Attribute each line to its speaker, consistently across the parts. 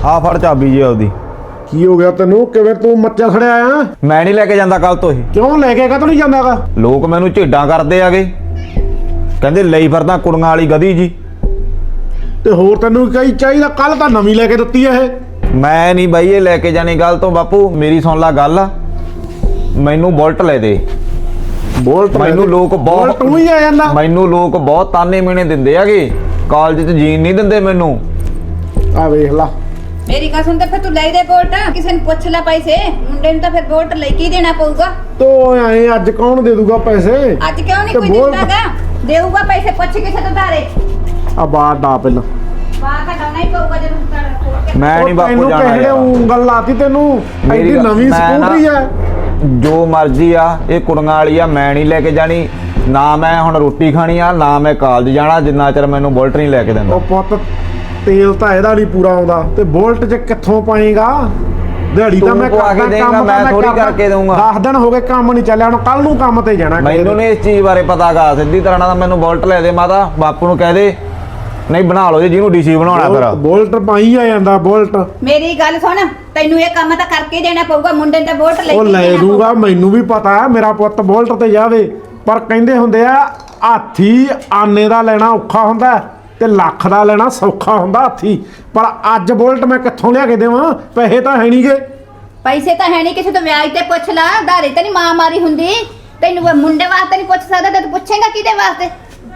Speaker 1: ਆ ਫੜ ਚਾਬੀ जी आपदी।
Speaker 2: ਕੀ ਹੋ ਗਿਆ ਤੈਨੂੰ? ਕਿਵੇਂ ਤੂੰ ਮੱਚਾ ਖੜਿਆ ਆ?
Speaker 1: मैं नहीं लेके जांदा कल तो ही।
Speaker 2: ਕਿਉਂ ਲੈ ਕੇ ਕਦੋਂ ਨਹੀਂ ਜਾਂਦਾਗਾ?
Speaker 1: लोग मैनू झेडां करदे आगे, कहंदे लई फिरदा कुड़ियां वाली गधी जी।
Speaker 2: ਤੇ ਹੋਰ ਤੈਨੂੰ ਕਈ ਚਾਹੀਦਾ? ਕੱਲ ਤਾਂ ਨਵੀਂ ਲੈ ਕੇ ਦਿੱਤੀ ਆ ਇਹ।
Speaker 1: मैं नहीं बाई ये लेके जानी गल तो बापू मेरी सुन ला गल, मैनू बुलट ले दे।
Speaker 2: ਬੋਲਟ
Speaker 1: मैनू लोग बहुत
Speaker 2: ਤੂੰ ਹੀ ਆ ਜਾਂਦਾ।
Speaker 1: मैनू लोग बहुत ताने मेने दिंदे आगे, कालज च जीन नहीं दिंदे मैनू।
Speaker 2: ਆ ਵੇਖ ਲਾ।
Speaker 3: मेरी गल सुन, फिर तू ले दे वोट, किसी ने पूछ ला पैसे, मुंडे ने तो फिर वोट लेके ही देना पऊगा।
Speaker 2: ਤੋ ਐ ਅੱਜ ਕੌਣ ਦੇ ਦੂਗਾ ਪੈਸੇ?
Speaker 3: आज क्यों नहीं
Speaker 2: तो
Speaker 3: कोई
Speaker 2: वोट-
Speaker 3: देतागा? देऊगा पैसे, पूछ किसे तो तारे
Speaker 2: ਆ ਬਾਹਰ ਡਾ ਪਹਿਲਾਂ।
Speaker 3: बाहर का डालना ही पऊगा जब तू
Speaker 1: मैं नहीं बापू
Speaker 2: ਤੈਨੂੰ
Speaker 1: जाना
Speaker 2: ਕਿਹੜੇ
Speaker 1: यार।
Speaker 2: ਉਂਗਲ ਲਾਤੀ ਤੈਨੂੰ?
Speaker 1: ਮੇਰੀ
Speaker 2: ਐਡੀ
Speaker 1: ਗੱਲ-
Speaker 2: ਨਵੀਂ
Speaker 1: ਮੈਂ ਨਾ-
Speaker 2: ਸਕੂਟਰੀ ਆ।
Speaker 1: जो मर्जी आ ये कुड़ियां वाली आ, मैं नहीं लेके जानी ना। मैं हुण रोटी खानी आ ना, मैं कालज जाना जिन्ना चਿਰ ਮੈਨੂੰ बुलट नहीं लेके दिंदा।
Speaker 2: ਉਹ ਪੁੱਤ ਤੇਲ ਤਾਂ ਇਹਦਾ ਨਹੀਂ ਪੂਰਾ ਆਉਂਦਾ ਤੇ ਬੋਲਟ 'ਚ ਕਿੱਥੋਂ ਪਾਏਗਾ? ਦਿਹਾੜੀ ਤਾਂ
Speaker 1: ਤੂੰ
Speaker 2: ਮੈਂ
Speaker 1: ਪਵਾ ਕੇ
Speaker 2: ਕਰਦਾ,
Speaker 1: ਦੇਂਗਾ,
Speaker 2: ਕੰਮ ਤਾਂ
Speaker 1: ਮੈਂ ਥੋੜ੍ਹੀ
Speaker 2: ਕਰਦਾ।
Speaker 1: ਕਰਕੇ ਦਊਂਗਾ।
Speaker 2: 10 ਦਿਨ ਹੋ ਗਏ ਕੰਮ ਨਹੀਂ ਚੱਲਿਆ, ਹੁਣ ਕੱਲ ਨੂੰ ਕੰਮ ਤੇ ਜਾਣਾ।
Speaker 1: ਮੈਨੂੰ ਨਹੀਂ ਇਸ ਚੀਜ਼ ਬਾਰੇ ਪਤਾ ਗਾ। ਸਿੱਧੀ ਤਰ੍ਹਾਂ ਨਾਲ ਮੈਨੂੰ ਬੁਲਟ ਲੈ ਦੇ ਮਾਤਾ, ਬਾਪੂ ਨੂੰ ਕਹਿ ਦੇ ਨਹੀਂ ਬਣਾ ਲਓ ਜੀ, ਜਿਹਨੂੰ ਡੀਸੀ ਬਣਾਉਣਾ ਫਿਰ।
Speaker 2: ਬੋਲਟ ਪਾਈ ਆ ਜਾਂਦਾ ਬੋਲਟ।
Speaker 3: मेरी गल सुन, तैनू ये काम तो करके ही देना पऊगा, मुंडे ने तो वोट लेके
Speaker 2: ਉਹ
Speaker 3: ही
Speaker 2: ਲੈ
Speaker 3: देना
Speaker 2: ਦੂੰਗਾ,
Speaker 3: पऊगा।
Speaker 2: ਮੈਨੂੰ ਵੀ ਪਤਾ ਹੈ ਮੇਰਾ ਪੁੱਤ ਬੋਲਟ ਤੇ ਜਾਵੇ, ਪਰ ਕਹਿੰਦੇ ਹੁੰਦੇ ਆ ਹਾਥੀ ਆਨੇ ਦਾ ਲੈਣਾ ਔਖਾ ਹੁੰਦਾ ਤੇ ਲੱਖ ਦਾ ਲੈਣਾ ਸੌਖਾ ਹੁੰਦਾ ਹਾਥੀ। ਪਰ ਅੱਜ ਬੋਲਟ ਮੈਂ ਕਿੱਥੋਂ ਲਿਆ ਕੇ ਦੇਵਾਂ? ਪੈਸੇ ਤਾਂ ਹੈ ਨਹੀਂਗੇ।
Speaker 3: पैसे तो है नहीं, किसी तो ब्याज ते पूछ ला, धारे तो नहीं मां मारी हुंदी। तैनू वो मुंडे वास्ते नहीं पूछ सकदा, ते तू पूछेगा किदे वास्ते?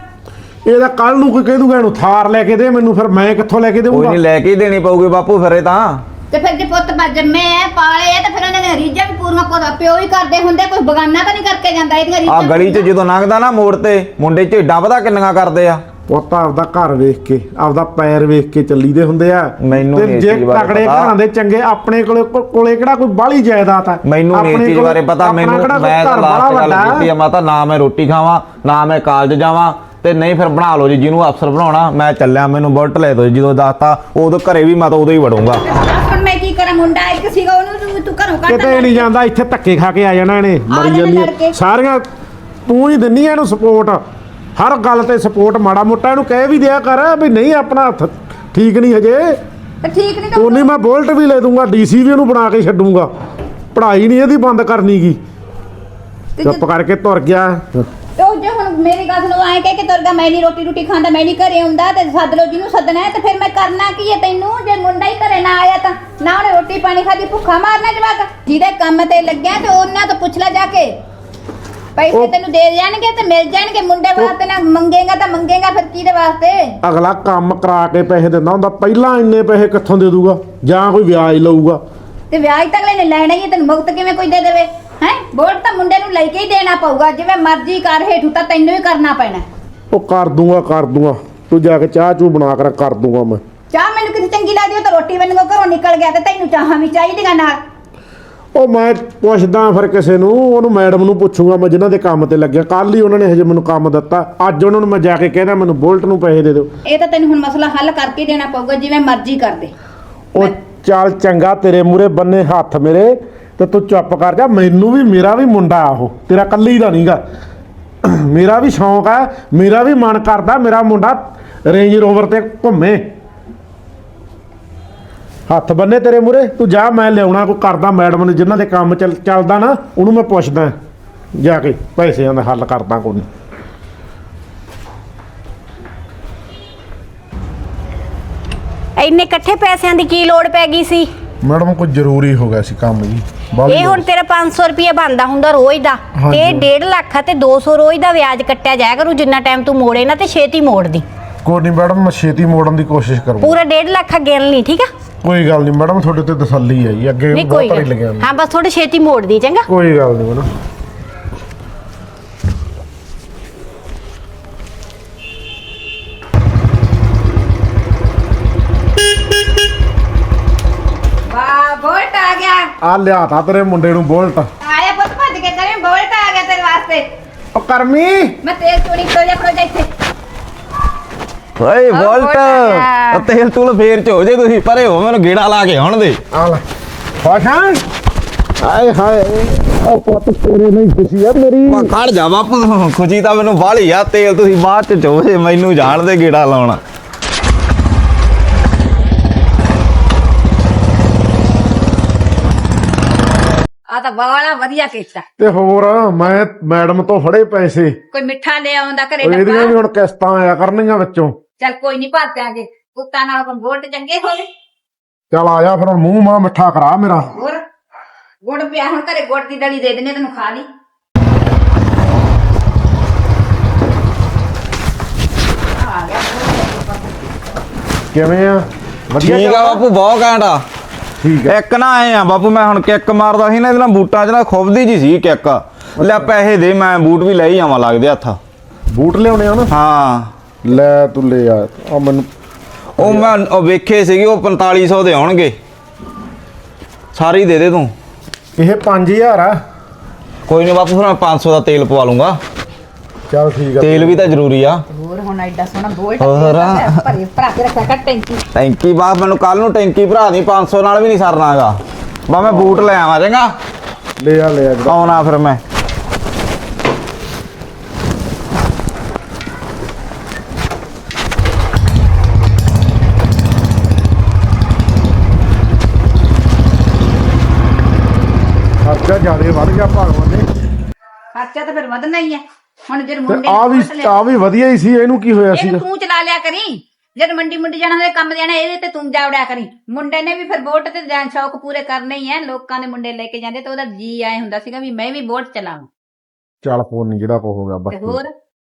Speaker 2: ਇਹਦਾ ਕੱਲ ਨੂੰ ਕੋਈ ਕਹਿ ਦੂਗਾ ਇਹਨੂੰ ਥਾਰ ਲੈ ਕੇ ਦੇ ਮੈਨੂੰ, ਫਿਰ ਮੈਂ ਕਿੱਥੋਂ ਲੈ ਕੇ
Speaker 1: ਕੋਈ
Speaker 2: ਦੇਵਾਂਗਾ?
Speaker 1: ਨਹੀਂ ਲੈ ਕੇ ਹੀ ਦੇਣੀ ਪਊਗੀ ਬਾਪੂ ਫਿਰ ਇਹ ਤਾਂ।
Speaker 3: ਤੇ ਫਿਰ ਜੇ ਪੁੱਤ ਜੰਮੇ ਐ ਪਾਲੇ ਐ ਤੇ ਫਿਰ ਉਹਨਾਂ ਨੇ ਰੀਝਾਂ ਵੀ ਪੂਰੀਆਂ ਪਿਓ ਹੀ ਕਰਦੇ ਹੁੰਦੇ, ਕੋਈ ਬਗਾਨਾ ਤਾਂ ਨਹੀਂ ਕਰਕੇ ਜਾਂਦਾ ਇਹਦੀਆਂ
Speaker 1: ਆ
Speaker 3: ਰੀਝਾਂ।
Speaker 1: ਗਲੀ 'ਚ ਜਦੋਂ ਲੰਘਦਾ ਨਾ ਮੋੜ ਤੇ ਮੁੰਡੇ ਝੇਡਾਂ ਪਤਾ ਕਿੰਨੀਆਂ ਕਰਦੇ ਆ।
Speaker 2: ਪੁੱਤ ਆਪਦਾ ਘਰ ਵੇਖ ਕੇ ਆਪਦਾ ਪੈਰ ਵੇਖ ਕੇ ਚੱਲੀਦੇ ਹੁੰਦੇ ਆ।
Speaker 1: ਮੈਨੂੰ
Speaker 2: ਤੇ
Speaker 1: ਨਹੀਂ ਇਸ
Speaker 2: ਜੇ
Speaker 1: ਚੀਜ਼ ਬਾਰੇ
Speaker 2: ਤਕੜੇ
Speaker 1: ਪਤਾ।
Speaker 2: ਘਰਾਂ ਦੇ ਚੰਗੇ ਆਪਣੇ ਕੋਲੇ ਕਿਹੜਾ ਕੋਈ ਬਾਹਲੀ ਜਾਇਦਾਦ ਆ?
Speaker 1: ਮੈਨੂੰ ਨਹੀਂ ਇਸ
Speaker 2: ਆਪਣੇ
Speaker 1: ਚੀਜ਼
Speaker 2: ਕੋਲੇ
Speaker 1: ਬਾਰੇ ਪਤਾ।
Speaker 2: ਆਪਣਾ
Speaker 1: ਮੈਨੂੰ
Speaker 2: ਕਿਹੜਾ ਕੋਈ
Speaker 1: ਮੈਂ ਤਾਂ
Speaker 2: ਘਰ
Speaker 1: ਲਾਸਟ
Speaker 2: ਬਾਹਲਾ
Speaker 1: ਗੱਲ
Speaker 2: ਵੱਡਾ
Speaker 1: ਕੀਤੀ ਆ ਮਾਤਾ, ਨਾ ਮੈਂ ਰੋਟੀ ਖਾਵਾਂ ਨਾ ਮੈਂ ਕਾਲਜ ਜਾਵਾਂ, ਤੇ ਨਹੀਂ ਫਿਰ ਬਣਾ ਲਓ ਜੀ ਜਿਹਨੂੰ ਅਫਸਰ ਬਣਾਉਣਾ। ਮੈਂ ਚੱਲਿਆ, ਮੈਨੂੰ ਬੁਲਟ ਲੈ ਦਿਓ। ਜਦੋਂ ਦੱਸਤਾ ਉਦੋਂ ਘਰੇ ਵੀ ਮੈਂ ਤਾਂ ਉਦੋਂ ਹੀ ਵੜੂੰਗਾ।
Speaker 3: ਹੁਣ ਮੈਂ ਕੀ ਕਰਾਂ? ਮੁੰਡਾ ਇੱਕ ਸੀਗਾ, ਉਹਨੂੰ ਤੂੰ ਘਰੋਂ ਕੱਢ
Speaker 2: ਕਿਤੇ ਨਹੀਂ ਜਾਂਦਾ, ਇੱਥੇ ਧੱਕੇ ਖਾ ਕੇ ਆ ਜਾਣਾ ਇਹਨੇ। ਮਰੀ
Speaker 3: ਜਾਣਾ
Speaker 2: ਜਾਂਦੀ
Speaker 3: ਲੜਕੇ।
Speaker 2: ਸਾਰੀਆਂ ਤੂੰ ਹੀ ਦਿੰਨੀ ਆ ਇਹਨੂੰ ਸਪੋਰਟ, ਹਰ ਗੱਲ ਤੇ ਸਪੋਰਟ। ਮਾੜਾ ਮੋਟਾ ਇਹਨੂੰ ਕਹਿ ਵੀ ਦਿਆ ਕਰ ਵੀ ਨਹੀਂ ਆਪਣਾ ਹੱਥ ਠੀਕ ਨਹੀਂ ਹਜੇ।
Speaker 3: ਤੇ ਠੀਕ ਨਹੀਂ ਤਾਂ
Speaker 2: ਉਹਨੇ ਮੈਂ ਬੁਲਟ ਵੀ ਲੈ ਦੂੰਗਾ, ਡੀਸੀ ਵੀ ਉਹਨੂੰ ਬਣਾ ਕੇ ਛੱਡੂੰਗਾ। ਪੜ੍ਹਾਈ ਨਹੀਂ ਇਹਦੀ ਬੰਦ ਕਰਨੀ ਗੀ। ਚੁੱਪ ਕਰਕੇ ਤੁਰ ਗਿਆ।
Speaker 3: ਤੇ ਉਹ ਜੇ ਹੁਣ ਮੇਰੀ ਗੱਲ ਨੂੰ ਆਏ ਕਹਿ ਕੇ ਤੁਰਗਾ, ਮੈਂ ਨਹੀਂ ਰੋਟੀ ਖਾਂਦਾ, ਮੈਂ ਨਹੀਂ ਘਰੇ ਆਉਂਦਾ, ਤੇ ਸੱਦ ਲਓ ਜਿਹਨੂੰ ਸੱਦਣਾ ਹੈ। ਤੇ ਫਿਰ ਮੈਂ ਕਰਨਾ ਕੀ ਹੈ ਤੈਨੂੰ? ਜੇ ਮੁੰਡਾ ਹੀ ਘਰੇ ਨਾ ਆਇਆ ਤਾਂ ਨਾ ਉਹਨੇ ਰੋਟੀ ਪਾਣੀ ਖਾਦੀ, ਭੁੱਖਾ ਮਾਰਨਾ ਜਵਾਕ। ਜਿਹਦੇ ਕੰਮ ਤੇ ਲੱਗਿਆ ਤੇ ਉਹਨਾਂ ਤੋਂ ਪੁੱਛ ਲੈ ਜਾ ਕੇ, ਪੈਸੇ ਤੈਨੂੰ ਦੇ ਜਾਣਗੇ ਤੇ ਮਿਲ ਜਾਣਗੇ। ਮੁੰਡੇ ਵਾਸਤੇ ਨਾ ਮੰਗੇਗਾ ਤਾਂ ਮੰਗੇਗਾ ਫਿਰ ਕਿਹਦੇ ਵਾਸਤੇ?
Speaker 2: ਅਗਲਾ ਕੰਮ ਕਰਾ ਕੇ ਪੈਸੇ ਦਿੰਦਾ ਹੁੰਦਾ, ਪਹਿਲਾਂ ਇੰਨੇ ਪੈਸੇ ਕਿੱਥੋਂ ਦੇ ਦੂਗਾ? ਜਾਂ ਕੋਈ ਵਿਆਜ ਲਊਗਾ।
Speaker 3: ਤੇ ਵਿਆਜ ਤਾਂ ਅਗਲੇ ਨੇ ਲੈਣਾ ਹੀ ਹੈ, ਤੈਨੂੰ ਮੁਕਤ ਕਿਵੇਂ ਕੋਈ ਦੇ ਦੇਵੇ? ਹੈ ਵੋਟ ਤਾਂ ਮੁੰਡੇ ਨੂੰ ਲੈ ਕੇ ਹੀ ਦੇਣਾ ਪਊਗਾ, ਜਿਵੇਂ ਮਰਜ਼ੀ ਕਰ, ਹੇਠੂ ਤਾਂ ਤੈਨੂੰ ਹੀ ਕਰਨਾ ਪੈਣਾ।
Speaker 2: ਉਹ ਕਰ ਦੂੰਗਾ। ਤੂੰ ਜਾ ਕੇ ਚਾਹ ਚੂ ਬਣਾ ਕਰ ਦੂੰਗਾ ਮੈਂ।
Speaker 3: ਚਾਹ ਮੈਨੂੰ ਕਿਤੇ ਚੰਗੀ ਲੱਗਦੀ ਉਹ ਤਾਂ ਰੋਟੀ ਮੈਨੂੰ ਘਰੋਂ ਨਿਕਲ ਗਿਆ, ਤੇ ਤੈਨੂੰ ਚਾਹਾਂ ਵੀ ਚਾਹੀਦੀਆਂ ਨਾਲ।
Speaker 2: ਉਹ ਮੈਂ ਪੁੱਛਦਾ ਫਿਰ ਕਿਸੇ ਨੂੰ, ਉਹਨੂੰ ਮੈਡਮ ਨੂੰ ਪੁੱਛੂਗਾ ਮੈਂ ਜਿਨ੍ਹਾਂ ਦੇ ਕੰਮ ਤੇ ਲੱਗਿਆ। ਕੱਲ ਹੀ ਉਹਨਾਂ ਨੇ ਹਜੇ ਮੈਨੂੰ ਕੰਮ ਦਿੱਤਾ, ਅੱਜ ਉਹਨਾਂ ਨੂੰ ਮੈਂ ਜਾ ਕੇ ਕਹਿੰਦਾ ਮੈਨੂੰ ਬੁਲਟ ਨੂੰ ਪੈਸੇ ਦੇ ਦਿਓ।
Speaker 3: ਇਹ ਤਾਂ ਤੈਨੂੰ ਹੁਣ ਮਸਲਾ ਹੱਲ ਕਰਕੇ ਦੇਣਾ ਪਊਗਾ, ਜਿਵੇਂ ਮਰਜ਼ੀ ਕਰ ਦੇ।
Speaker 2: ਉਹ ਚੱਲ ਚੰਗਾ, ਤੇਰੇ ਮੂਰੇ ਬੰਨੇ ਹੱਥ ਮੇਰੇ, ਤੇ ਤੂੰ ਚੁੱਪ ਕਰ ਜਾ। ਮੈਨੂੰ ਵੀ ਮੇਰਾ ਵੀ ਮੁੰਡਾ ਉਹ ਤੇਰਾ ਕੱਲੀ ਦਾ ਨਹੀਂਗਾ। ਮੇਰਾ ਵੀ ਸ਼ੌਂਕ ਹੈ, ਮੇਰਾ ਵੀ ਮਨ ਕਰਦਾ ਮੇਰਾ ਮੁੰਡਾ ਰੇਂਜ ਰੋਵਰ ਤੇ ਘੁੰਮੇ। ਹੱਥ ਬੰਨੇ ਤੇਰੇ ਮੂਰੇ, ਤੂੰ ਜਾ, ਮੈਂ ਲਿਆਉਣਾ ਕੋਈ ਕਰਦਾ ਮੈਡਮ ਨੇ ਜਿਨ੍ਹਾਂ ਦੇ ਕੰਮ ਚੱਲਦਾ ਨਾ, ਉਹਨੂੰ ਮੈਂ ਪੁੱਛਦਾ ਜਾ ਕੇ, ਪੈਸਿਆਂ ਦਾ ਹੱਲ ਕਰਦਾ ਕੋਈ।
Speaker 4: ਇੰਨੇ ਇਕੱਠੇ ਪੈਸਿਆਂ ਦੀ ਕੀ ਲੋੜ ਪੈ ਗਈ ਸੀ?
Speaker 2: ਮੈਡਮ ਕੋਈ ਜ਼ਰੂਰੀ ਹੋ ਗਿਆ ਸੀ ਕੰਮ ਜੀ।
Speaker 4: ਇਹ ਹੁਣ ਤੇਰਾ 500 ਰੁਪਏ ਬਣਦਾ ਹੁੰਦਾ ਰੋਜ਼ ਦਾ, ਤੇ 1.5 ਲੱਖ ਤੇ 200 ਰੋਜ਼ ਦਾ ਵਿਆਜ ਕੱਟਿਆ ਜਾਇਆ ਕਰੂ। ਜਿੰਨਾ ਟਾਈਮ ਤੂੰ ਮੋੜੇ ਨਾ ਤੇ ਛੇਤੀ ਮੋੜ ਦੀ।
Speaker 2: ਕੋਈ ਨਹੀਂ ਮੈਡਮ, ਮੈਂ ਛੇਤੀ ਮੋੜਨ ਦੀ ਕੋਸ਼ਿਸ਼ ਕਰੂੰਗਾ।
Speaker 4: ਪੂਰਾ 1.5 ਲੱਖ ਗਿਣ ਲਈ, ਠੀਕ ਆ?
Speaker 2: ਕੋਈ ਗੱਲ ਨਹੀਂ ਮੈਡਮ, ਤੁਹਾਡੇ ਤੇ ਤਸੱਲੀ ਹੈ ਜੀ, ਅੱਗੇ
Speaker 4: ਨਹੀਂ
Speaker 2: ਬਹੁਤ
Speaker 4: ਕੋਈ
Speaker 2: ਵਾਰੀ
Speaker 4: ਗੱਲ।
Speaker 2: ਲੱਗਿਆ।
Speaker 4: ਹਾਂ ਬਸ ਥੋੜੀ ਛੇਤੀ ਮੋੜ ਦੀ, ਚੰਗਾ?
Speaker 2: ਕੋਈ ਗੱਲ ਨਹੀਂ ਮੈਡਮ।
Speaker 3: ਵਾਹ, ਵੋਟ ਆ ਗਿਆ।
Speaker 2: ਆ ਲਿਆ ਤਾ ਤੇਰੇ ਮੁੰਡੇ ਨੂੰ ਬੁਲਟ।
Speaker 3: ਆਇਆ ਪੁੱਤ, ਭੱਜ ਕੇ ਕਰੇ, ਵੋਟ ਆ ਗਿਆ ਤੇਰੇ ਵਾਸਤੇ।
Speaker 2: ਉਹ ਕਰਮੀ,
Speaker 3: ਮੈਂ ਤੇਲ ਚੋਰੀ ਖੜੋ ਜਾ ਇੱਥੇ।
Speaker 1: ਓਏ
Speaker 3: ਬੁਲਟ
Speaker 1: ਬੁਲਟ
Speaker 3: ਆ ਗਿਆ।
Speaker 1: ਤੇਲ ਤੂਲ ਫੇਰ ਚ ਹੋ ਜੇ, ਤੁਸੀਂ ਪਰੇ ਹੋ, ਮੈਨੂੰ ਗੇੜਾ ਲਾ ਕੇ ਆਉਣ ਦੇ।
Speaker 2: ਆ ਲੈ ਫਾਸ਼ਾਂ। ਹਾਏ ਹਾਏ, ਉਹ ਪੁੱਤ ਤੇਰੇ ਨਹੀਂ ਖੁਸ਼ੀ ਆ ਮੇਰੀ।
Speaker 1: ਮੈਂ ਖੜ ਜਾ ਬਾਪੂ, ਖੁਸ਼ੀ ਤਾਂ ਮੈਨੂੰ ਬਾਹਲੀ ਆ। ਤੇਲ ਤੁਸੀਂ ਬਾਅਦ ਚ ਚੋਜੇ, ਮੈਨੂੰ ਜਾਣ ਦੇ ਗੇੜਾ ਲਾਉਣਾ।
Speaker 3: ਤਾਂ ਬਾਲਾ ਵਧੀਆ ਕੀਤਾ।
Speaker 2: ਤੇ ਹੋਰ ਮੈਂ ਮੈਡਮ ਤੋਂ ਫੜੇ ਪੈਸੇ,
Speaker 3: ਕੋਈ ਮਿੱਠਾ ਲੈ ਆਉਂਦਾ ਘਰੇ
Speaker 2: ਉਹ ਇਹਦੀਆਂ ਵੀ
Speaker 3: ਡੱਬਾ।
Speaker 2: ਹੁਣ ਕਿਸ਼ਤਾਂ ਆਇਆ ਕਰਨਗੀਆਂ ਵਿੱਚੋਂ।
Speaker 3: ਚੱਲ ਕੋਈ ਨਹੀਂ ਭਰ ਦਿਆਂਗੇ, ਕੁੱਤਾ ਨਾਲ ਵੋਟ ਚੰਗੇ ਹੋ ਗਏ।
Speaker 2: ਚੱਲ ਆ ਜਾ ਫਿਰ ਹੁਣ ਮੂੰਹ ਮਾਂ ਮਿੱਠਾ ਕਰਾ ਮੇਰਾ।
Speaker 3: ਹੋਰ ਗੁੜ ਪਿਆ ਹੁਣ ਘਰੇ, ਗੁੜ ਦੀ ਦਲੀ ਦੇ ਦਿੰਨੇ ਤੈਨੂੰ, ਖਾ ਲਈ। ਆ ਗਿਆ
Speaker 2: ਕਿਵੇਂ ਆ? ਵਧੀਆ
Speaker 1: ਠੀਕ ਆ
Speaker 2: ਚੱਲਦਾ?
Speaker 1: ਬਾਪੂ, ਬਹੁਤ ਘੈਂਟ ਆ।
Speaker 2: ਠੀਕ ਹੈ।
Speaker 1: ਇੱਕ ਨਾ ਆਏ ਆ ਬਾਪੂ, ਮੈਂ ਹੁਣ ਕਿੱਕ ਮਾਰਦਾ ਸੀ ਨਾ, ਇਹਦੇ ਨਾਲ ਬੂਟਾਂ 'ਚ ਨਾ ਖੁੱਬਦੀ ਜੀ ਸੀ ਕਿੱਕ। ਲੈ ਪੈਸੇ ਦੇ, ਮੈਂ ਬੂਟ ਵੀ ਲੈ ਹੀ ਆਵਾਂ ਲੱਗਦੇ ਹੱਥ।
Speaker 2: ਬੂਟ ਲਿਆਉਣੇ ਆ ਨਾ?
Speaker 1: ਹਾਂ
Speaker 2: ਲੈ ਤੂੰ ਲੈ ਆ। ਆ ਮੈਨੂੰ
Speaker 1: ਉਹ ਮੈਂ ਉਹ ਵੇਖੇ ਸੀਗੇ, ਉਹ 4500 ਦੇ ਆਉਣਗੇ। ਸਾਰੀ ਦੇ ਦੇ ਤੂੰ।
Speaker 2: ਇਹ 5000 ਆ।
Speaker 1: ਕੋਈ ਨਹੀਂ ਬਾਪੂ, ਫਿਰ ਮੈਂ 500 ਦਾ ਤੇਲ ਪਵਾ ਲੂੰਗਾ।
Speaker 2: ਚੱਲ ਠੀਕ ਆ।
Speaker 1: ਤੇਲ ਵੀ ਤਾਂ ਜ਼ਰੂਰੀ ਆ।
Speaker 3: ਹੋਰ ਹੁਣ ਐਡਾ ਸੋਹਣਾ ਬੋਲਟ
Speaker 1: ਹੋਰ।
Speaker 3: ਭਰੇ ਭਰਾ ਕੇ ਰੱਖਿਆ ਕਰ ਟੈਂਕੀ।
Speaker 1: ਟੈਂਕੀ ਬਾਪ ਮੈਨੂੰ ਕੱਲ ਨੂੰ ਟੈਂਕੀ ਭਰਾ ਦੀ, 500 ਨਾਲ ਵੀ ਨਹੀਂ ਸਰਨਾਗਾ। ਬਾ ਮੈਂ ਬੂਟ ਲੈ ਆਵਾਂ, ਚੰਗਾ?
Speaker 2: ਲੈ ਆ ਜਿਹੜਾ।
Speaker 1: ਆਉਣਾ ਫਿਰ ਮੈਂ।
Speaker 2: ਖਰਚਾ ਜ਼ਿਆਦਾ ਵੱਧ ਗਿਆ ਭਗਵਾਨ ਨੇ।
Speaker 3: ਖਰਚਾ ਤਾਂ ਫਿਰ ਵਧਣਾ ਹੀ ਹੈ। ਹੁਣ ਜਦ
Speaker 2: ਤੇ
Speaker 3: ਮੁੰਡੇ
Speaker 2: ਆ ਵੀ ਵਧੀਆ ਹੀ ਸੀ। ਇਹਨੂੰ ਕੀ ਹੋਇਆ ਸੀ?
Speaker 3: ਇਹਨੂੰ ਤੂੰ ਚਲਾ ਲਿਆ ਕਰੀ। ਜਦ ਮੰਡੀ ਜਾਣਾ ਹੋਵੇ, ਕੰਮ ਜਾਣਾ, ਇਹਦੇ ਤੇ ਤੂੰ ਜਾਵੜਿਆ ਕਰੀ। ਮੁੰਡੇ ਨੇ ਵੀ ਫਿਰ ਵੋਟ ਤੇ ਜਾਣ ਸ਼ੌਕ ਪੂਰੇ ਕਰਨੇ ਹੀ ਐ। ਲੋਕਾਂ ਦੇ ਮੁੰਡੇ ਲੈ ਕੇ ਜਾਂਦੇ ਤੇ ਉਹਦਾ ਜੀ ਆਏ ਹੁੰਦਾ ਸੀਗਾ ਵੀ ਮੈਂ ਵੀ ਵੋਟ ਚਲਾਵਾਂ।
Speaker 2: ਚੱਲ ਫੋਨ ਨਹੀਂ ਜਿਹੜਾ ਕੋ ਹੋ ਗਿਆ
Speaker 3: ਤੇ
Speaker 2: ਬਸ।
Speaker 3: ਹੋਰ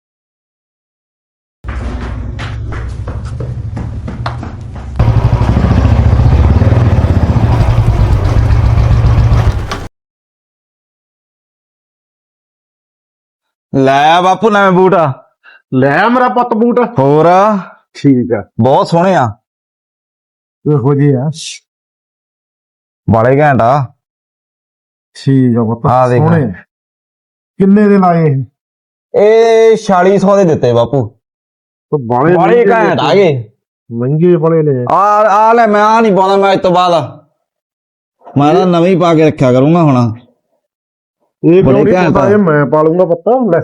Speaker 1: ਲੈ ਬਾਪੂ ਨਵੇਂ ਬੂਟ ਆ।
Speaker 2: ਲੈ ਮੇਰਾ ਪੁੱਤ ਬੂਟ।
Speaker 1: ਹੋਰ
Speaker 2: ਠੀਕ ਆ।
Speaker 1: ਬਹੁਤ ਸੋਹਣੇ ਆ,
Speaker 2: ਇਹੋ ਜਿਹੇ ਆ।
Speaker 1: ਬਾਲੇ ਘੈਂਟ ਆ।
Speaker 2: ਠੀਕ ਆ ਪੁੱਤ,
Speaker 1: ਆ ਦੇਖ।
Speaker 2: ਸੋਹਣੇ। ਕਿੰਨੇ ਦੇ ਲਾਏ ਇਹ?
Speaker 1: ਇਹ 4600 ਦੇ ਦਿੱਤੇ ਬਾਪੂ।
Speaker 2: ਬਾਲੇ
Speaker 1: ਬਾਲੇ ਘੈਂਟ ਆ ਗਏ।
Speaker 2: ਮਹਿੰਗੇ ਬੜੇ ਨੇ।
Speaker 1: ਆ ਲੈ, ਮੈਂ ਆ ਨਹੀਂ ਪਾਉਣਾ। ਮੈਂ ਇਸ ਤੋਂ ਬਾਅਦ ਮੈਂ ਤਾਂ ਨਵੀਂ ਪਾ ਕੇ ਰੱਖਿਆ ਕਰੂੰਗਾ ਹੁਣ।
Speaker 2: ਇਹ
Speaker 1: ਬੜੇ
Speaker 2: ਬੜੇ
Speaker 1: ਘੈਂਟ ਆ।
Speaker 2: ਇਹ ਮੈਂ ਪਾ ਲੂੰਗਾ ਪੱਤਾ। ਲੈ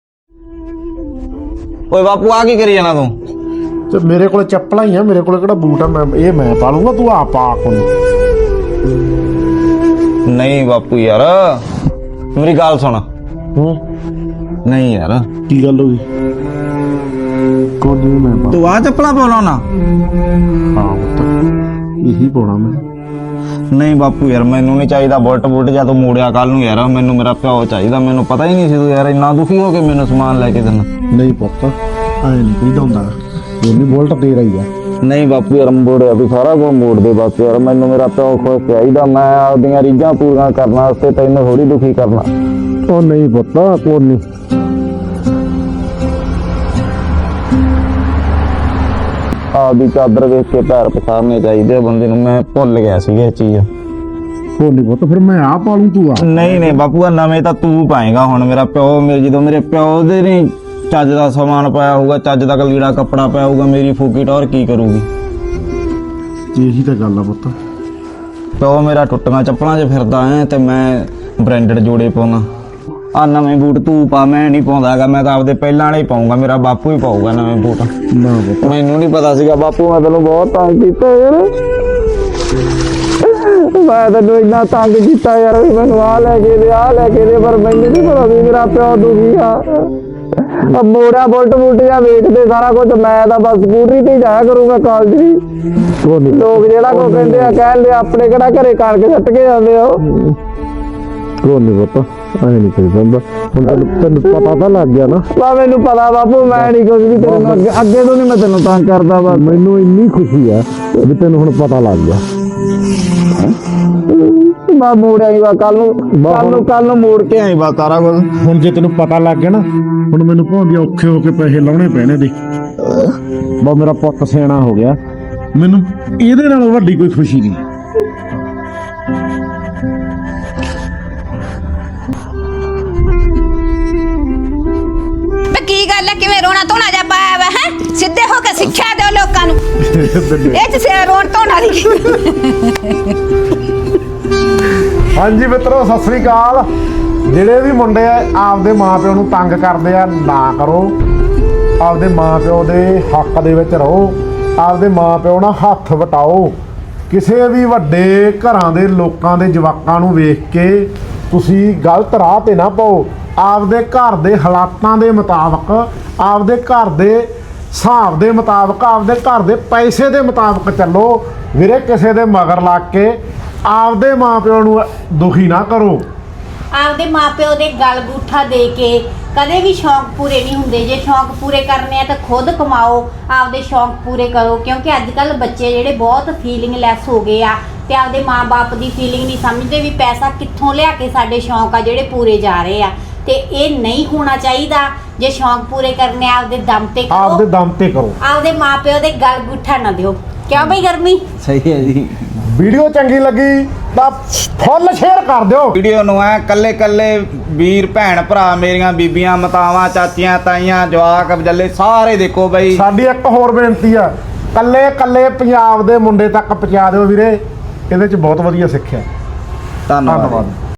Speaker 1: ਓਏ ਬਾਪੂ, ਆ ਕੀ ਕਰੀ ਜਾਣਾ ਤੂੰ?
Speaker 2: ਤੇ ਮੇਰੇ ਕੋਲ ਚੱਪਲਾਂ ਹੀ ਆ, ਮੇਰੇ ਕੋਲ ਕਿਹੜਾ ਬੂਟ ਆ? ਮੈਂ ਪਾ ਲੂੰਗਾ, ਤੂੰ ਆ ਪਾ ਕੋਲ।
Speaker 1: ਨਹੀਂ ਬਾਪੂ ਯਾਰ, ਮੇਰੀ ਗੱਲ ਸੁਣ। ਨਹੀਂ ਯਾਰ,
Speaker 2: ਕੀ ਗੱਲ ਹੋ ਗਈ? ਕੋਈ ਨਹੀਂ, ਮੈਂ
Speaker 1: ਤੂੰ ਆ ਚੱਪਲਾਂ ਪਾਉਣਾ ਨਾ?
Speaker 2: ਹਾਂ ਪੁੱਤ, ਇਹੀ ਪਾਉਣਾ ਮੈਂ।
Speaker 1: ਨਹੀਂ ਬਾਪੂ ਯਾਰ, ਮੈਨੂੰ ਨਹੀਂ ਚਾਹੀਦਾ ਬੁਲਟ ਜਾਂ ਤੂੰ ਮੋੜਿਆ ਕੱਲ ਨੂੰ ਯਾਰ। ਮੈਨੂੰ ਮੇਰਾ ਪਿਓ ਚਾਹੀਦਾ। ਮੈਨੂੰ ਪਤਾ ਹੀ ਨਹੀਂ ਸੀ ਤੂੰ ਯਾਰ ਇੰਨਾ ਦੁਖੀ ਹੋ ਕੇ ਮੈਨੂੰ ਸਮਾਨ ਲੈ ਕੇ ਦੇਣਾ।
Speaker 2: ਨਹੀਂ ਪੁੱਤ, ਐ ਨਹੀਂ ਕਹੀਦਾ ਹੁੰਦਾ। ਇਹ ਨਹੀਂ ਬੁਲਟ ਦੇ ਰਹੀ ਆ।
Speaker 1: ਨਹੀਂ ਬਾਪੂ ਯਾਰ, ਮੋੜਿਆ ਵੀ ਸਾਰਾ ਕੁਝ ਮੋੜ ਦੇ ਬਸ ਯਾਰ। ਮੈਨੂੰ ਮੇਰਾ ਪਿਓ ਖੁਸ਼ ਚਾਹੀਦਾ। ਮੈਂ ਆਪਦੀਆਂ ਰੀਝਾਂ ਪੂਰੀਆਂ ਕਰਨ ਵਾਸਤੇ ਤੈਨੂੰ ਥੋੜੀ ਦੁਖੀ ਕਰਨਾ।
Speaker 2: ਉਹ ਨਹੀਂ ਪੁੱਤ, ਕੋਈ ਨਹੀਂ।
Speaker 1: ਆਪਦੀ ਚਾਦਰ ਵੇਖ ਕੇ ਪੈਰ ਪਸਾਰਨੇ ਚਾਹੀਦੇ ਬੰਦੇ ਨੂੰ। ਮੈਂ ਭੁੱਲ ਗਿਆ ਸੀ ਇਹ ਚੀਜ਼।
Speaker 2: ਕੋਈ ਨਹੀਂ ਪੁੱਤ, ਫਿਰ ਮੈਂ ਆ ਪਾ ਲੂੰ, ਤੂੰ ਆ।
Speaker 1: ਨਹੀਂ ਬਾਪੂ, ਨਵੇਂ ਤਾਂ ਤੂੰ ਪਾਏਗਾ ਹੁਣ। ਮੇਰਾ ਪਿਓ ਜਦੋਂ ਮੇਰੇ ਪਿਓ ਦੇ ਨੇ ਚੱਜ ਦਾ ਸਮਾਨ ਪਾਇਆ ਹੋਊਗਾ, ਚੱਜ ਦਾ ਲੀੜਾ ਕੱਪੜਾ ਪਾਇਆ ਹੋਊਗਾ, ਮੇਰੀ ਫੂਕੀ ਟੌਰ ਕੀ ਕਰੂਗੀ?
Speaker 2: ਇਹੀ ਤਾਂ ਗੱਲ ਆ ਪੁੱਤ।
Speaker 1: ਪਿਓ ਮੇਰਾ ਟੁੱਟੀਆਂ ਚੱਪਲਾਂ 'ਚ ਫਿਰਦਾ ਹੈ ਤੇ ਮੈਂ ਬ੍ਰਾਂਡਡ ਜੋੜੇ ਪਾਉਣਾ। ਆ ਨਵੇਂ ਬੂਟ ਤੂੰ ਪਾ, ਮੈਂ ਨਹੀਂ ਪਾਉਂਦਾ ਹੈਗਾ। ਮੈਂ ਤਾਂ ਆਪਦੇ ਪਹਿਲਾਂ ਵਾਲੇ ਹੀ ਪਾਉਂਗਾ। ਮੇਰਾ ਬਾਪੂ ਹੀ ਪਾਊਗਾ ਨਵੇਂ ਬੂਟ।
Speaker 2: ਨਾ ਪੁੱਤ,
Speaker 1: ਮੈਨੂੰ ਨਹੀਂ ਪਤਾ ਸੀਗਾ ਬਾਪੂ, ਮੈਂ ਤੈਨੂੰ ਬਹੁਤ ਤੰਗ ਕੀਤਾ ਯਾਰ। ਮੈਂ ਤੈਨੂੰ ਇੰਨਾ ਤੰਗ ਕੀਤਾ ਯਾਰ ਵੀ ਮੈਨੂੰ ਆ ਲੈ ਕੇ ਦੇ, ਆ ਲੈ ਕੇ ਦੇ, ਪਰ ਮੈਨੂੰ ਨਹੀਂ ਪਤਾ ਸੀ ਮੇਰਾ ਪਿਓ ਦੁਖੀ ਆ। ਮੋੜਾ ਬੁਲਟ ਜਾਂ ਵੇਚਦੇ ਸਾਰਾ ਕੁਝ। ਮੈਂ ਤਾਂ ਬਸ ਸਕੂਟਰੀ ਤੇ ਹੀ ਜਾਇਆ ਕਰੂੰਗਾ ਕਾਲਜ ਵੀ।
Speaker 2: ਕੋਈ ਨਹੀਂ।
Speaker 1: ਲੋਕ ਜਿਹੜਾ ਕੋ ਕਹਿੰਦੇ ਆ ਕਹਿੰਦੇ ਆਪਣੇ ਕਿਹੜਾ ਘਰੇ ਕਣਕ ਸੱਟ ਕੇ ਜਾਂਦੇ ਆ।
Speaker 2: ਕੋਈ ਨਹੀਂ ਪੁੱਤ, ਐ ਨਹੀਂ ਕਹੀਦਾ। ਹੁਣ ਤੈਨੂੰ ਪਤਾ ਤਾਂ ਲੱਗ ਗਿਆ ਨਾ।
Speaker 1: ਬਾ ਮੈਨੂੰ ਪਤਾ ਬਾਪੂ, ਮੈਂ ਨਹੀਂ ਕੁਝ ਵੀ ਤੈਨੂੰ ਅੱਗੇ ਤੋਂ ਨਹੀਂ ਮੈਂ ਤੈਨੂੰ ਤੰਗ ਕਰਦਾ। ਬਸ
Speaker 2: ਮੈਨੂੰ ਇੰਨੀ ਖੁਸ਼ੀ ਆ ਵੀ ਤੈਨੂੰ ਹੁਣ ਪਤਾ ਲੱਗ ਗਿਆ।
Speaker 1: ਮੈਂ ਮੋੜ ਆਈ ਵਾ ਕੱਲ ਨੂੰ ਮੋੜ ਕੇ ਆਈ ਵਾ ਸਾਰਾ ਕੁਝ।
Speaker 2: ਹੁਣ ਜੇ ਤੈਨੂੰ ਪਤਾ ਲੱਗ ਗਿਆ ਨਾ, ਹੁਣ ਮੈਨੂੰ ਭਾਵੇਂ ਔਖੇ ਹੋ ਕੇ ਪੈਸੇ ਲਾਉਣੇ ਪੈਣੇ ਦੇ। ਬਾ ਮੇਰਾ ਪੁੱਤ ਸਿਆਣਾ ਹੋ ਗਿਆ। ਮੈਨੂੰ ਇਹਦੇ ਨਾਲੋਂ ਵੱਡੀ ਕੋਈ ਖੁਸ਼ੀ ਨਹੀਂ।
Speaker 3: ਕੀ ਗੱਲ ਹੈ? ਕਿਵੇਂ ਰੋਣਾ ਧੋਣਾ ਜਾ ਪਾਇਆ ਵਾ ਹੈ? ਸਿੱਧੇ ਹੋ ਕੇ ਸਿੱਖਿਆ ਦਿਓ ਲੋਕਾਂ ਨੂੰ। ਇਹ ਚ ਸੇ ਰੋਣ ਧੋਣ ਵਾਲੀ।
Speaker 2: ਹਾਂਜੀ ਮਿੱਤਰੋ, ਸਤਿ ਸ੍ਰੀ ਅਕਾਲ। ਜਿਹੜੇ ਵੀ ਮੁੰਡੇ ਆਪਦੇ ਮਾਪਿਓ ਨੂੰ ਤੰਗ ਕਰਦੇ ਆ, ਨਾ ਕਰੋ। ਆਪਦੇ ਮਾਪਿਓ ਦੇ ਹੱਕ ਦੇ ਵਿੱਚ ਰਹੋ। ਆਪਦੇ ਮਾਪਿਓ ਨਾਲ ਹੱਥ ਵਟਾਓ। ਕਿਸੇ ਵੀ ਵੱਡੇ ਘਰਾਂ ਦੇ ਲੋਕਾਂ ਦੇ ਜਵਾਕਾਂ ਨੂੰ ਵੇਖ ਕੇ ਤੁਸੀਂ ਗਲਤ ਰਾਹ ਤੇ ਨਾ ਪਾਓ। ਆਪਦੇ ਘਰ ਦੇ ਹਾਲਾਤਾਂ ਦੇ ਮੁਤਾਬਕ, ਆਪਦੇ ਘਰ ਦੇ ਹਿਸਾਬ ਦੇ ਮੁਤਾਬਕ, ਆਪਦੇ ਘਰ ਦੇ ਪੈਸੇ ਦੇ ਮੁਤਾਬਕ ਚੱਲੋ ਵੀਰੇ। ਕਿਸੇ ਦੇ ਮਗਰ ਲੱਗ ਕੇ ਆਪਦੇ ਮਾਪਿਓ ਨੂੰ ਦੁਖੀ ਨਾ ਕਰੋ।
Speaker 4: ਆਪਦੇ ਮਾਪਿਓ ਦੇ ਗਲ ਗੂਠਾ ਦੇ ਕੇ ਕਦੇ ਵੀ ਸ਼ੌਂਕ ਪੂਰੇ ਨਹੀਂ ਹੁੰਦੇ। ਜੇ ਸ਼ੌਂਕ ਪੂਰੇ ਕਰਨੇ ਆ ਤਾਂ ਖੁਦ ਕਮਾਓ, ਆਪਦੇ ਸ਼ੌਂਕ ਪੂਰੇ ਕਰੋ। ਕਿਉਂਕਿ ਅੱਜ ਕੱਲ ਬੱਚੇ ਜਿਹੜੇ ਬਹੁਤ ਫੀਲਿੰਗਲੈਸ ਹੋ ਗਏ ਆ ਤੇ ਆਪਦੇ ਮਾਂ-ਬਾਪ ਦੀ ਫੀਲਿੰਗ ਨਹੀਂ ਸਮਝਦੇ ਵੀ ਪੈਸਾ ਕਿੱਥੋਂ ਲਿਆ ਕੇ ਸਾਡੇ ਸ਼ੌਂਕ ਆ ਜਿਹੜੇ ਪੂਰੇ ਜਾ ਰਹੇ ਆ। ਤੇ ਇਹ ਨਹੀਂ ਹੋਣਾ ਚਾਹੀਦਾ। ਜੇ ਸ਼ੌਂਕ ਪੂਰੇ ਕਰਨੇ ਆ ਆਪਦੇ ਦਮ ਤੇ ਕਰੋ,
Speaker 2: ਆਪਦੇ ਦਮ ਤੇ ਕਰੋ,
Speaker 4: ਆਪਦੇ ਮਾਪਿਓ ਦੇ ਗਲ ਗੁੱਠਾ ਨਾ ਦਿਓ। ਕਿਉਂ ਬਈ ਗਰਮੀ?
Speaker 5: ਸਹੀ ਹੈ ਜੀ।
Speaker 2: ਵੀਡੀਓ ਚੰਗੀ ਲੱਗੀ ਤਾਂ ਫੁੱਲ ਸ਼ੇਅਰ ਕਰ ਦਿਓ।
Speaker 5: ਵੀਡੀਓ ਨੂੰ ਐ ਕੱਲੇ ਕੱਲੇ ਵੀਰ ਭੈਣ ਭਰਾ, ਮੇਰੀਆਂ ਬੀਬੀਆਂ, ਮਾਤਾਵਾਂ, ਚਾਚੀਆਂ, ਤਾਈਆਂ, ਜਵਾਕ, ਬਜੱਲੇ ਸਾਰੇ ਦੇਖੋ ਬਈ।
Speaker 2: ਸਾਡੀ ਇੱਕ ਹੋਰ ਬੇਨਤੀ ਆ, ਕੱਲੇ ਕੱਲੇ ਪੰਜਾਬ ਦੇ ਮੁੰਡੇ ਤੱਕ ਪਹੁੰਚਾ ਦਿਓ ਵੀਰੇ। ਇਹਦੇ ਚ ਬਹੁਤ ਵਧੀਆ ਸਿੱਖਿਆ।
Speaker 5: ਧੰਨਵਾਦ।
Speaker 2: ਧੰਨਵਾਦ।